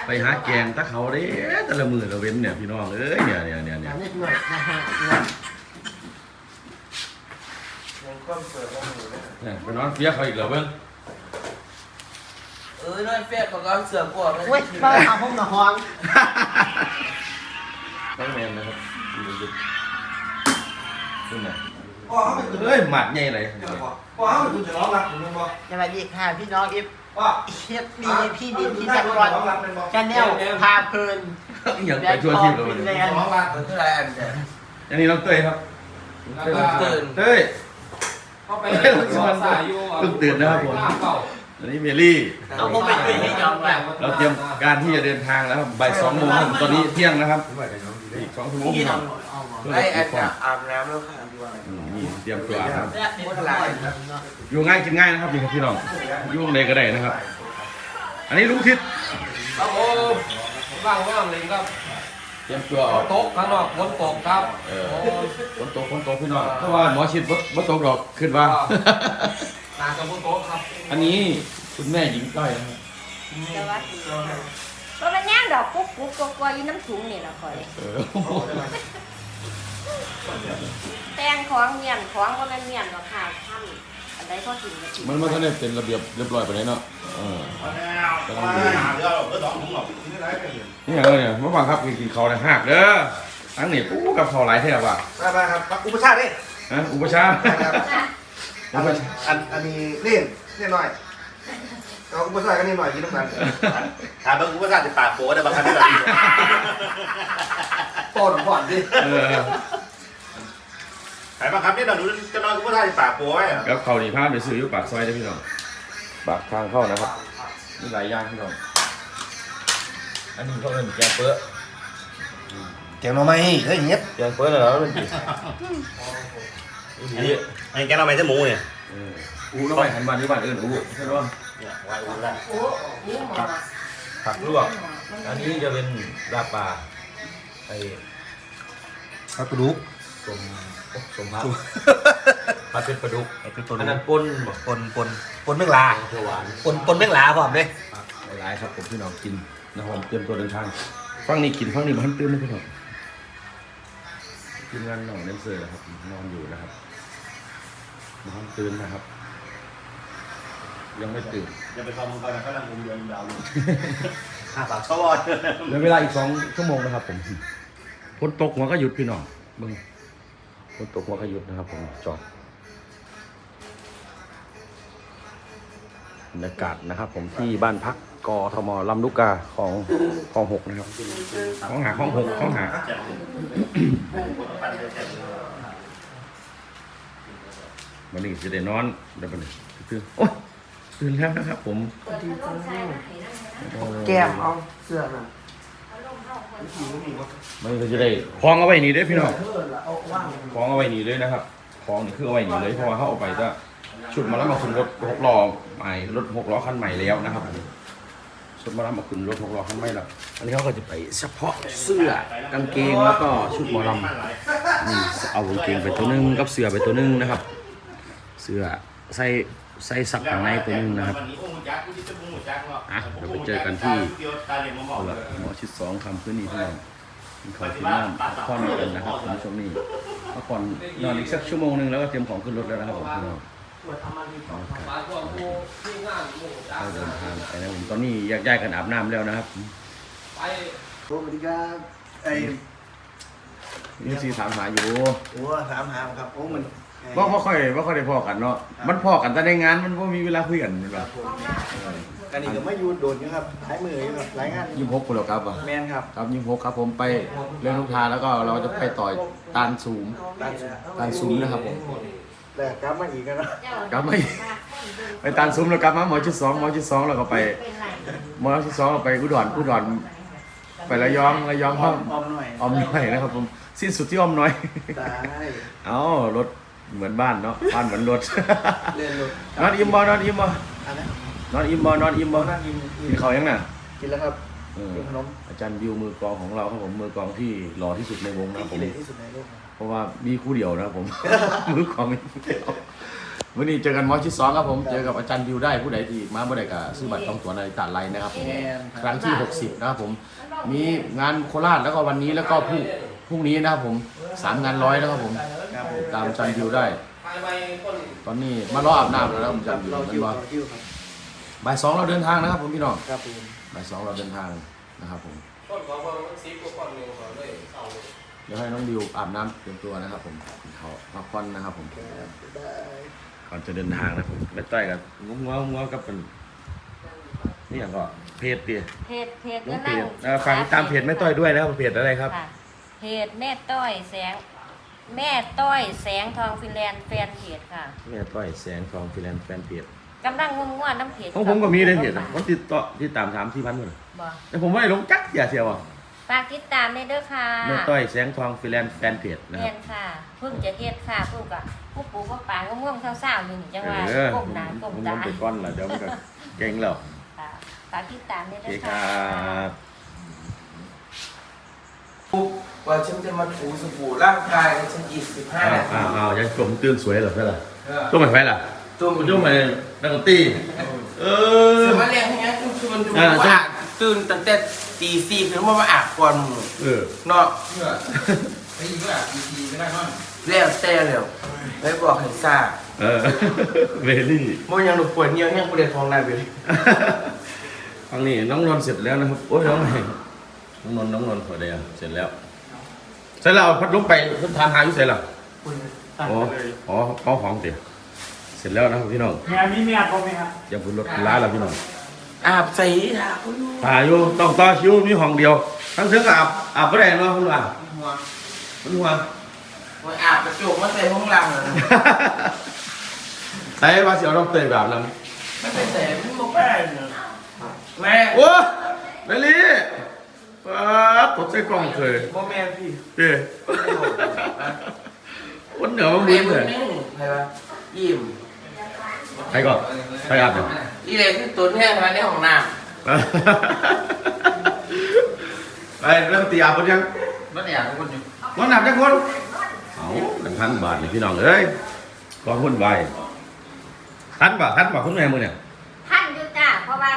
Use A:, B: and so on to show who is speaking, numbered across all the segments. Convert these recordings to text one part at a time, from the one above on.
A: ไปหาแกงตะเขาเด้แต่ละมือละเว้นเนี่ยพี่น้องเอ้ยเนี่ย
B: นิดหน่อยนะฮะยังก้มเปิดแล้วอยู่
A: เนี่ยไปนอนเฟี้ยเขาอีกเหรอเบิ้ง
C: น้อยเฟี้ยเขาก็เสือกว่า
B: เว้ยมาเอาห้องนอน
A: ต้องแมนนะครับดูขึ้นไหนเฮ้ยหมัดใหญ่เลย
D: พ่อเขาเป็นคุณจะร้องรักผมบอก
B: สวัสดีค่ะพี่น้องเอฟ
D: ว่า
B: เอฟดีพี่ดินพี่จักรวาลชาแนลพาเพลิน
A: อย่างไปทั่วที่เลย
D: ร้องรัก
C: มันคืออะไรอันเนี่ย
A: อันนี้น้องเต้ยครับ
C: ตื่น
A: เต้ย
D: เข้าไปสายอยู่
A: เพิ่งตื่นนะครับผมอันนี้เมลี่
B: เอาพวกไปตื่นให้ยอมแบบ
A: เราเตรียมการที่จะเดินทางแล้วครับบ่าย2 โมงครับตอนนี้เที่ยงนะครับอีก2 ชั่วโมง
B: พี่น้อง
C: ไอ้อันเนี่ยอาบน้ำแล้วค่ะ
A: นี่เตรียมตัวครับ
B: แรกเป็นอะไร
A: อยู่ง่ายกินง่ายนะครับพี่น้องอยู่ตรงไหนก็ได้นะครับ อันนี้ลุงทิศ
D: ครับผมว่างเลยครับ
A: เตรียมตัวออก
D: โต๊ะข้างนอกฝนตกครับ
A: ฝนตกพี่น้องเพราะว่าหมอชิดบ่ตกหรอกขึ้นว่า
D: ตากับฝนตกครับ
A: อันนี้คุณแม่หญิงก้อยนะครับ
E: สวัสดีเพราะมันย่างดอกกุ๊กกุ๊กกลัวอยู่น้ำถุงนี่ละคอยแต่งของเมียนของก็มันเมียนดอกค่ะท่านอันใดก็กินก็กิน
A: มันก็ได้เป็นระเบียบเรียบร้อยไปเลยเนาะกำลังดีนี่อย่างเนี่ยเมื่อวานครับกินข้าวในหักเด้อทั้งนี่ปูกับข้าวหลายแทบว่ะ
D: มาครับอุปชาตินี่
A: ฮะอุปชา
D: อันนี้เล่นหน่อยเราอุปชาติกันนิดหน่อยกินน้ำมันถามบางอุปชาติจะปากโผล่ได้บางครั้งที่แบบโป้หนุ่มผ่อนดิขายบางครั้งที่เราดูจะนอนอุปชาติปากโผล่ไหม
A: กับข้าวนี่พาไปซื้ออยู่ปากซอยได้พี่น้องปากทางเข้านะครับมีหลายอย่างพี่น้องอันนี้เขาเอิ้นแกงเปื้อ
D: แกงหน่อไม้เฮ้ยเงี้ย
A: แกงเปื้อเหรอมันดี
D: ไอ้แกงหน่อไม้จะหมูเนี่ย
A: อูแล้วไปหันบ้านที่บ้านอื่นอูใช่ไหม
D: ไว้อูแล้ว
A: ผักลวกอันนี้จะเป็นลาบปลาไอ้
D: ผักกระดูก
A: สมผักผัดเป็นปลาดุก
D: เป็นตัว
A: อัน
D: นั้
A: นั้น
D: น
A: ปนบ่
D: ปนแมงลา
A: เขียวหวาน
D: ปนแมงลาพร้อมเลย
A: หลายๆครับผมพี่น้องกินนะครับผมเตรียมตัวเดินทางฟังนี่กินฟังนี่มันตื่นไม่พี่น้องทีมงานน้องเดนเซอร์นะครับนอนอยู่นะครับนอนตื่นนะครับ ยังไม่ตื่น
D: อย่าไปทำมึงก่อนนะกำลังงมเดือนดาวอยู่หาปากชอบ
A: เหลือเวลาอีก2 ชั่วโมงนะครับผมฝนตกหัวก็หยุดพี่น้องเบิ่งฝนตกหัวก็หยุดนะครับผมจอดบรรยากาศนะครับ ผมที่บ้านพักกทมลำลูกกาของคลอง6นะครับของหาของหาวันนี้จะได้นอนได้ปะเนี่ยคือโอ๊ยตื่นแล้วนะครับผม
B: แก้มเอาเสื้อน่ะ
A: มันก็จะได้คล้องเอาไว้นี่เด้อพี่น้อง
B: เอาว่าง
A: คล้องเอาไว้นี่เลยนะครับคล้องนี่คือเอาไว้นี่เลยเพราะว่าเขาเอาไปจะชุดมาแล้วมาขึ้นรถ6 ล้อใหม่รถ6 ล้อคันใหม่แล้วนะครับชุดมาแล้วมาขึ้นรถ6 ล้อคันใหม่แล้วอันนี้เขาก็จะไปเฉพาะเสื้อกางเกงแล้วก็ชุดหมอลำนี่เอากางเกงไปตัวนึงกับเสื้อไปตัวนึงนะครับ เสื้อใส่สักข้างในตัวนึงนะครับอ่ะเดี๋ยวไปเจอกันที่หมอชิด2คำพื้นนี่พี่น้องกินข้าวกินน้ำพักผ่อนกันนะครับคุณผู้ชมนี่พักผ่อนนอนอีกสักชั่วโมงนึงแล้วก็เตรียมของขึ้นรถแล้วนะครับผมพี่น้องเราเดินทางไปนะผมตอนนี้แยกย้ายกันอาบน้ำแล้วนะครับ
D: สวัสดีครับไอ้
A: นี่ซีถามหาอยู่
D: โอ้ถามหาครับโอ้มัน
A: ว่าค่อยได้พอกันเนาะมันพอกันแต่ในงานมันไม่มีเวลาคุยกันเป็นแบบ
D: กันนี่ก็ไม่ยูโดนอยู่ครับใช้มืออยู่ครับรายงาน
A: 26คนแล้วครับอ่ะ
D: แมนครับ
A: ครับ26ครับผมไปเรื่องลูกทาแล้วก็เราจะไปต่อยตานสูงตานสูงนะครับผม
D: แต่กลับมาอีกแล้ว
A: กลับมาอีกไปตานสูงแล้วกลับมาหมอชุด2แล้วก็ไปหมอชุด2เราไปอุดรไประยองห้อง
D: อมหน่อย
A: ออมน้อยนะครับผมสิ้นสุดที่ออมน้อย
D: ได้
A: เอ้ารถเหมือนบ้านเนาะบ้านเหมือนรถ
D: เล่นรถ
A: นอนอิ่มบ่
D: อันนั้น
A: นอนอิ่มบ่
D: นั่งกิน
A: กินข้าวยังน่ะ
D: กินแล้วครับ กินขนม
A: อาจารย์วิวมือกลองของเราครับผมมือกลองที่หล่อที่สุดในวงนะครับผม
D: ที่เด็ดที่สุดในโลก
A: เพราะว่ามีคู่เดียวนะครับผม มือกลองมีคู่เดียววันนี้เจอกันมอชิด2ครับผมเจอกับอาจารย์วิวได้ผู้ใดที่มาบ่ได้ก็ซื้อบัตรต้องตั๋วในตลาดไลน์นะครับผมครั้งที่60นะครับผมมีงานโคราชแล้วก็วันนี้แล้วก็พรุ่งนี้นะครับผม3 งานร้อยนะครับผมตามอาจารย์วิวได้ตอนนี้มารออาบน้ำแล้วอาจารย์วิวมันรอบ่าย 2เราเดินทางนะครับผมพี่น้องบ่าย 2เราเดินทางนะครับผมเดี๋ยวให้น้องดิวอาบน้ำเตรียมตัวนะครับผมเขาพักผ่อนนะครับผมก่อนจะเดินทางนะผมไปต้อยกับง้อกับเป็นนี่อย่างก็เพจเตี๋ย
E: เพจ
A: น้อง
E: ก็
A: เพ
E: นั่ง
A: จฟังตามเพจแม่ต้อยด้วยนะครับเพจอะไรครับ
E: ค่ะเพจแม่ต้อยแสงทองฟินแลนด์แฟนเพจค่ะ
A: แม่ต้อยแสงทองฟิแลนด์แฟนเพจ
E: กำลังง่วนๆน้ำเพจ
A: ของผมก็มีในเพจนะผมติดตาม3-4 พันคน
E: บ่
A: แต่ผมไม่ได้ลงจักอย่าเสียวอ่ะ
E: ฝากติดตามในเด้อค่ะ
A: แม่ต้อยแสงทองฟิแลนด์แฟนเพจนะค
E: เรี
A: รั
E: ย
A: บ
E: นค่ะเพิ่งจะเฮ็ดค่ะเพิ่งก็ผู้ปู่ผู้ป่าก็ง่วงเศร้าๆอยู่นี่จังว่าก้มหน้าก้ม
A: ผม
E: ตา
A: ไปก้อนละเดี๋ยวมันก็เก่งแล้ว
E: ค่ะฝากติดตามใน
A: โอ
E: เด้
A: เค
E: อ
A: ค
E: ค่ะ
A: รับ
C: ว่าฉันจะมาถูสบู่ร่างกายฉันอีก15 นาที
A: ยังกลมตื่นสวยเหรอเพื่อนล่ะตัวใหม่ไฟล่ะ
C: ตุ้ม
A: ตัวใหม่นักดนตรีเออ
C: สมัยเรียนให้งั้นชวนดูว่าตื่นตั้งแต่ตี 4ถึงมาอาบก่อนหมู่
A: เออ
C: เนาะ
D: ไอ้ยิงก็แบบทีไม่ได้มั้ง
C: แล้วแต่แล้วไปบอกให้ทราบ
A: เออเวลี่
C: บ่ยังหนูปวดเหี่ยวแห้งกูได้ท้องได้ไปเลย
A: ฟังนี่น้องนนท์เสร็จแล้วนะครับโอ้ยน้องไหนน้องนนท์ขอเดียวเสร็จแล้วเสร็จแล้วเอาพัดลมไปเพิ่นทานหาอยู่เสร็จแล้วอ๋อเอาของเตี๋ยเสร็จแล้วนะครับพี่น้อง
F: มีเมียพอไหมครับ
A: อย่าพูดรถล้าแล้วพี่น้อง
C: อาบใส่ทาเขาอยู่
A: ถ่ายอยู่ต้องต่อคิวมีห้องเดียวทั้งเสือกับอาบไม่ได้เนาะคุณว่า
C: หัว
A: คุณว่า
C: ว่าอาบกระจกมาใส่ห้องหลังนะ
A: ใส่ว่าเสียวต้องเตยแบบนั้น
C: ไม่ไปใส่ไม่บอกแม่แม่
A: โอ้เบลลี่ปั๊บตกใส่กล้องเคย
C: บ่แม่พี่
A: เจ้วันเหนือมัน
C: เรี
A: มึ
C: ย
A: น
C: น
A: เลย
C: นี่ใครวะยิ้ม
A: ใครก่อนใครอาบเนี่ย
C: อีเลยที่ตุนแห้งมาในห้องน้
A: ไปเริ่มตีอาบกันยัง
C: ำมันอยากคนอยู่
A: มันหนักจังคนเอา1,000 บาทนี่พี่น้องเอ้ยกองหุ้นใบทันป่ะคุณแม่มือเนี่ย
E: ท่านอยู่จ้าเพราะว่า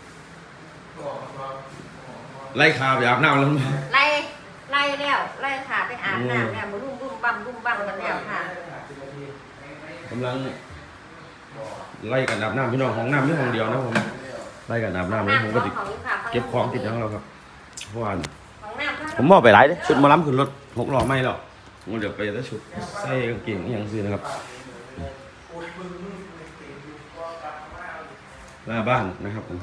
A: ไล่คาไปอาบน้ำแล้ว
E: ไล่แล้วไล่ขาไปอาบน้ำแล้วมารุ่มบั้มกันแล้วค่ะ
A: กำลังไล่กันอาบน้ำพี่น้องของน้ำนี่ห้องเดียวนะผมไล่กันอาบน้ำนี่ผมก็ติดเก็บของติดทั้งเราครับเพราะว่า
E: ของน้ำ
A: ผมมอบไปหลายเด้ชุดหมาล้ำขึ้นรถ6 ล้อไม่หรอกผมเดี๋ยวไปแต่ชุดใส่กางเกงอหย่างซื้อนะครับหน้าบ้านนะครับผม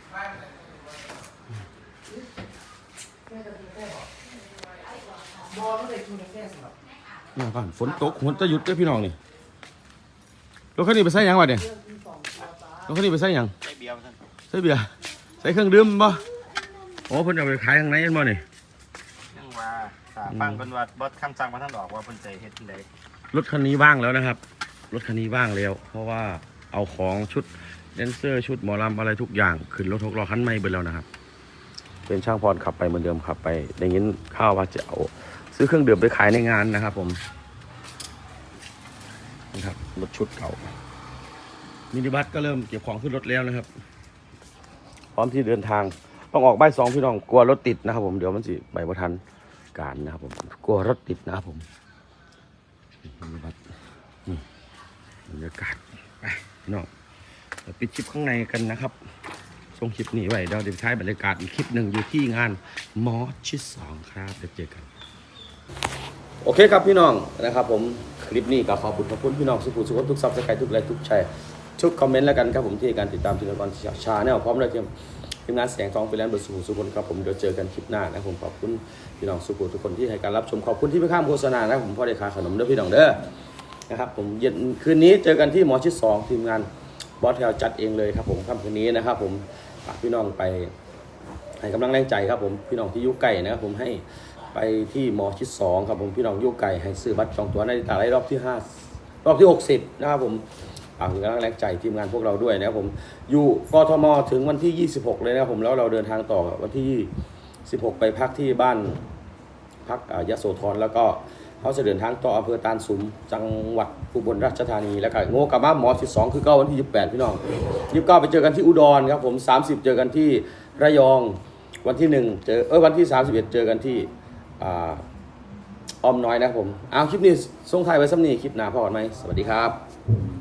A: หน้าบ้านฝนตกฝนจะหยุดเด้อพี่น้องนี่รถคันนี้ไปใส่หยังวะเนี่ยรถคันนี้ไปใส่หยัง
D: ใส่เบียร์ท่าน
A: ใส่เบียร์ใส่เครื่องดื่มบ่โอ้เพิ่นเอาไปขายข้างในกันบ่นี่
D: ยังว่าฟังเป็นว่าบอสคำสั่งมาท่านบอกว่าเพิ่นใจเฮ็ดจังได๋
A: รถคันนี้ว่างแล้วนะครับรถคันนี้ว่างแล้ว เพราะว่าเอาของชุดแดนเซอร์ชุดหมอลำอะไรทุกอย่างขึ้นรถ6 ล้อคันใหม่ไปแล้วนะครับเป็นช่างพรขับไปเหมือนเดิมขับไปได้ยินข่าวว่าจะเอาซื้อเครื่องดื่มไปขายในงานนะครับผมนะครับรถชุดเก่ามินิบัสก็เริ่มเก็บของขึ้นรถแล้วนะครับพร้อมที่เดินทางต้องออกบ่าย 2พี่น้องกลัวรถติดนะครับผมเดี๋ยวมันสิไปบ่ทันการนะครับผมกลัวรถติดนะครับผมมินิบัสนี่บรรยากาศไปพี่น้องเดี๋ยวปิดคลิปข้างในกันนะครับส่งคลิปนี้ไว้เดี๋ยวจะใช้บรรยากาศอีกคลิปหนึ่งอยู่ที่งานมอชิด2ครับเดี๋ยวเจอกันโอเคครับพี่น้องนะครับผมคลิปนี้ก็ขอบคุณพี่น้องสุขุมสุขทุกซับสไครต์ทุกไลค์ทุกแชร์ทุกคอมเมนต์แล้วกันครับผมที่การติดตามทีมงานชาแนลพร้อมด้วยทีมงานแสงทองไปแล้วบนสุขุมครับผมเดี๋ยวเจอกันคลิปหน้านะผมขอบคุณพี่น้องสุขุมทุกคนที่ให้การรับชมขอบคุณที่ไม่ข้ามโฆษณานะผมพ่อได้ขายขนมด้วยพี่น้องเด้อนะครับผมเย็นคืนนี้เจอกันที่หมอชิด2ทีมงานบอสแถวจัดเองเลยครับผมค่ำคืนนี้นะครับผมฝากพี่น้องไปให้กำลังแรงใจครับผมพี่น้องที่ยุ่ไก่นะครับผมให้ไปที่หมอชิด2ครับผมพี่น้องยุ่ไก่ให้ซื้อบัตรจองตั๋วในตลาดรอบที่5รอบที่60นะครับผมฝากถึงกำลังแรงใจทีมงานพวกเราด้วยนะครับผมอยู่กทมถึงวันที่26เลยนะครับผมแล้วเราเดินทางต่อวันที่16ไปพักที่บ้านพักยโสธรแล้วก็เขาจะเดินทางต่ออำเภอตาลสุมจังหวัดอุบลราชธานีแล้วก็โง่กลับมาหมอ12คือเก้าวันที่28พี่น้อง29ไปเจอกันที่อุดรครับผม30เจอกันที่ระยองวันที่1เจอวันที่31เจอกันที่อ้อมน้อยนะครับผมเอาคลิปนี้ส่งท้ายไว้ซ้ำนี้คลิปหน้าพอกันไหมสวัสดีครับ